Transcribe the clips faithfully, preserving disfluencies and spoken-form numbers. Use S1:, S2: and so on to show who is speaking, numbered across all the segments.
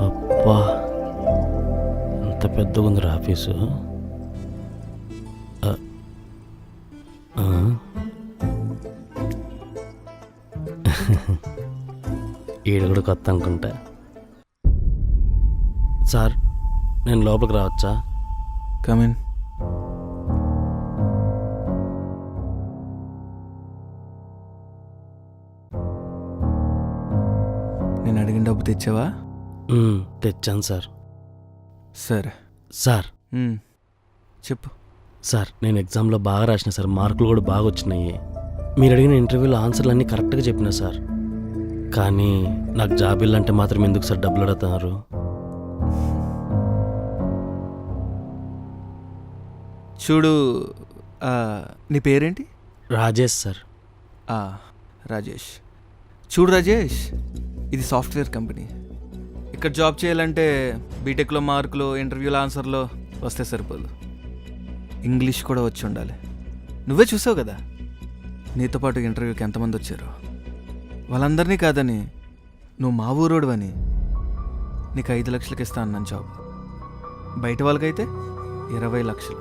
S1: అబ్బా, ఎంత పెద్దగా ఉందిరా ఆఫీసు. ఆ, ఆ. ఈడు కూడా కొత్త అనుకుంటా. సార్, నేను లోపలికి రావచ్చా?
S2: కమిన్. నేను అడిగిన డబ్బు తెచ్చావా?
S1: మ్మ్, తెచ్చాను సార్.
S2: సరే.
S1: సార్
S2: మ్మ్. చెప్పు.
S1: సార్, నేను ఎగ్జామ్లో బాగా రాసిన సార్, మార్కులు కూడా బాగా వచ్చినాయి. మీరు అడిగిన ఇంటర్వ్యూలో ఆన్సర్లు అన్నీ కరెక్ట్గా చెప్పినా సార్. కానీ నాకు జాబ్ ఇల్లంటే మాత్రం ఎందుకు సార్ డబ్బులు అడుగుతున్నారు?
S2: చూడు, ఆ, నీ పేరేంటి?
S1: రాజేష్ సార్.
S2: ఆ, రాజేష్. చూడు రాజేష్, ఇది సాఫ్ట్వేర్ కంపెనీ. ఇక్కడ జాబ్ చేయాలంటే బీటెక్లో మార్కులు, ఇంటర్వ్యూల ఆన్సర్లో వస్తే సరిపోదు, ఇంగ్లీష్ కూడా వచ్చి ఉండాలి. నువ్వే చూసావు కదా నీతో పాటు ఇంటర్వ్యూకి ఎంతమంది వచ్చారో. వాళ్ళందరినీ కాదని నువ్వు మా ఊరోడువని నీకు ఐదు లక్షలకి ఇస్తా అన్నాను జాబ్. బయట వాళ్ళకైతే ఇరవై లక్షలు.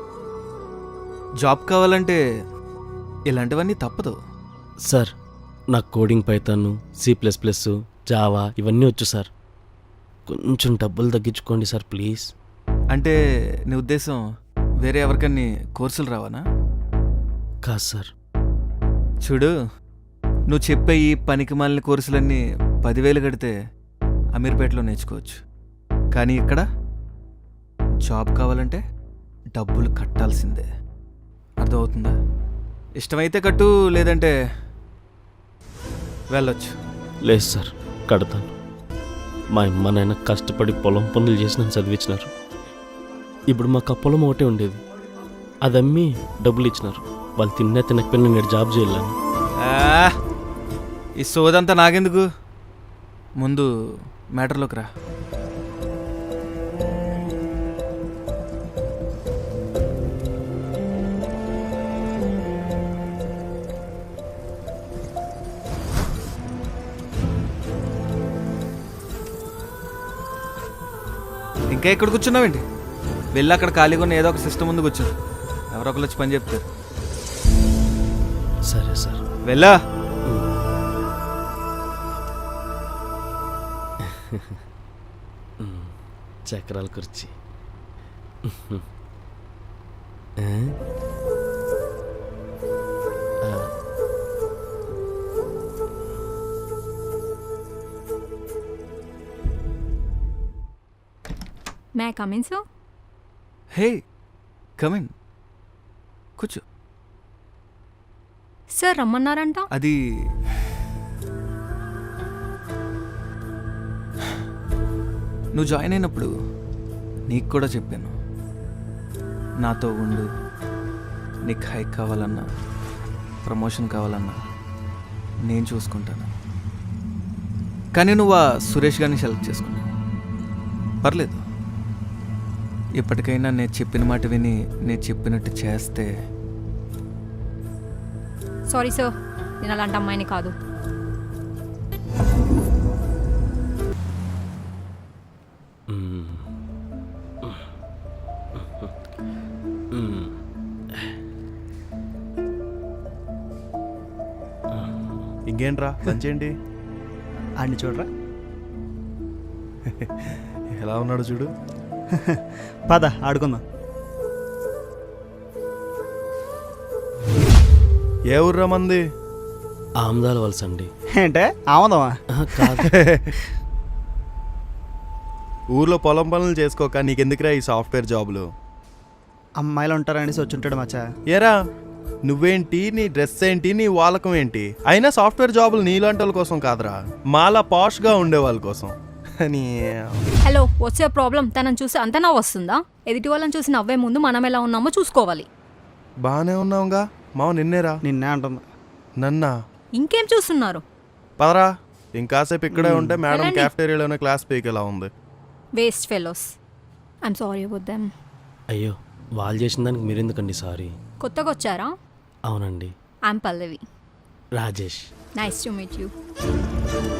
S2: జాబ్ కావాలంటే ఇలాంటివన్నీ తప్పదు
S1: సార్. నాకు coding, Python, C plus plus, Java ఇవన్నీ వచ్చు సార్. కొంచెం డబ్బులు తగ్గించుకోండి సార్ ప్లీజ్.
S2: అంటే నీ ఉద్దేశం వేరే ఎవరికన్నీ కోర్సులు రావానా?
S1: కాదు సార్.
S2: చూడు, నువ్వు చెప్పే ఈ పనికి మాలిన కోర్సులన్నీ పదివేలు కడితే అమీర్పేటలో నేర్చుకోవచ్చు. కానీ ఇక్కడ జాబ్ కావాలంటే డబ్బులు కట్టాల్సిందే. అర్థమవుతుందా? ఇష్టమైతే కట్టు, లేదంటే వెళ్ళొచ్చు.
S1: లేదు సార్, కడతాను. మా అమ్మ నాయన కష్టపడి పొలం పనులు చేసి నన్ను చదివించినారు. ఇప్పుడు మాకు ఆ పొలం ఒకటే ఉండేది, అది అమ్మి డబ్బులు ఇచ్చినారు. వాళ్ళు తిన్నా తినకపోయినా నేను జాబ్ చేయలేను.
S2: ఆ, ఈ సోదంతా నాకెందుకు, ముందు మ్యాటర్లోకి రా. ఇంకా ఎక్కడ కూర్చున్నావేంటి? వెళ్ళి అక్కడ ఖాళీగా ఉన్న ఏదో ఒక సిస్టమ్ ముందు కూర్చో. ఎవరో ఒకరు వచ్చి పని చెప్తారు.
S1: సరే సార్.
S2: వెళ్ళా.
S1: చక్రాల కుర్చీ.
S3: May I come in sir?
S2: హే, కమ్ ఇన్, కూర్చో.
S3: సార్ రమ్మన్నారంట.
S2: అది నువ్వు జాయిన్ అయినప్పుడు నీకు కూడా చెప్పాను, నాతో ఉండు, నీకు హైక్ కావాలన్నా ప్రమోషన్ కావాలన్నా నేను చూసుకుంటాను. కానీ నువ్వు ఆ సురేష్ గారిని సెలెక్ట్ చేసుకున్నావు. పర్లేదు, ఇప్పటికైనా నేను చెప్పిన మాట విని నేను చెప్పినట్టు చేస్తే.
S3: సారీ సార్, నేను అలాంటి అమ్మాయిని కాదు.
S4: ఇంకేంట్రా లంచ్ ఏంటి?
S5: ఆడిని చూడరా,
S4: ఎలా ఉన్నాడు చూడు.
S5: పద ఆడుకుందాం.
S4: ఏ ఊర్రా మంది?
S1: ఆమదాల వలస అండి.
S5: ఏంటే ఆమదమా?
S1: కాదు.
S4: ఊర్లో పొలం పనులు చేసుకోక నీకెందుకురా ఈ సాఫ్ట్వేర్ జాబులు?
S5: అమ్మాయిలు ఉంటారనేసి వచ్చి ఉంటాడు మచ్చా.
S4: ఏరా నువ్వేంటి, నీ డ్రెస్ ఏంటి, నీ వాలకం ఏంటి? అయినా సాఫ్ట్వేర్ జాబులు నీలాంటి వాళ్ళ కోసం కాదురా, మాలా పాష్గా ఉండే వాళ్ళ కోసం.
S3: హలో, వచ్చే ప్రాబ్లం తనని చూసి అంత నవ్వు వస్తుందా? ఎదుటి వాళ్ళని చూసి నవ్వే ముందు మనం ఎలా ఉన్నామో చూసుకోవాలి.
S4: బాగానే ఉన్నావుగా మావ. నిన్నేరా?
S5: నిన్నే అంటుంది.
S4: నన్నా?
S3: ఇంకేం చూస్తున్నారు?
S4: పదరా, ఇంకాసేపు ఇక్కడే ఉంటే మేడం క్యాఫ్టేరియాలోనే క్లాస్ పీకేలా ఉంది.
S3: Waste fellows. I'm sorry about them.
S1: అయ్యో, వాళ్ళు చేసిన దానికి మీరెందుకండి సారీ?
S3: కొత్తగా వచ్చారా?
S1: అవునండి.
S3: I'm Pallavi.
S1: Rajesh.
S3: Nice to meet you.